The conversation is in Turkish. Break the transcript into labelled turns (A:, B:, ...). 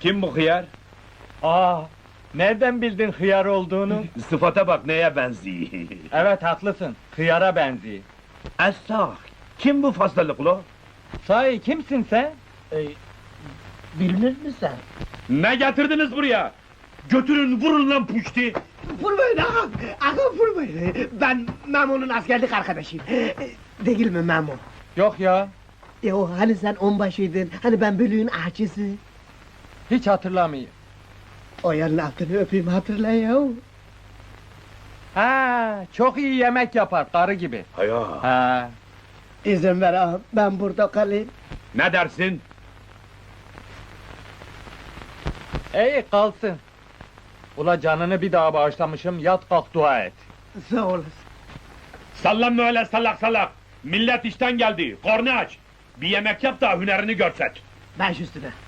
A: Kim bu hıyar?
B: Aa, nereden bildin hıyar olduğunu?
A: Sıfata bak neye benziyor.
B: Evet, haklısın, hıyara benziyor.
A: Esah, kim bu fazlalıklı?
B: Sahi kimsin sen?
C: Bilinir mi sen?
A: Ne getirdiniz buraya? Götürün vurun lan puşti!
C: Vurmayın ağam! Ağam vurmayın! Ben Memo'nun askerlik arkadaşıyım. Değil mi Memo?
B: Yok ya,
C: O hani sen onbaşıydın, hani ben bölüğün ahçısı.
B: hiç hatırlamıyorum.
C: O yarın altını öpeyim hatırla ya.
B: Ha, çok iyi yemek yapar, karı gibi.
A: Haya!
B: Ha,
C: İzin ver ağam, ben burada kalayım.
A: Ne dersin?
B: iyi kalsın. Ula canını bir daha bağışlamışım, yat kalk dua et.
C: Sağ olasın.
A: Sallanma öyle salak salak! Millet işten geldi, korna aç! Bir yemek yap da hünerini görset!
C: Baş üstüne.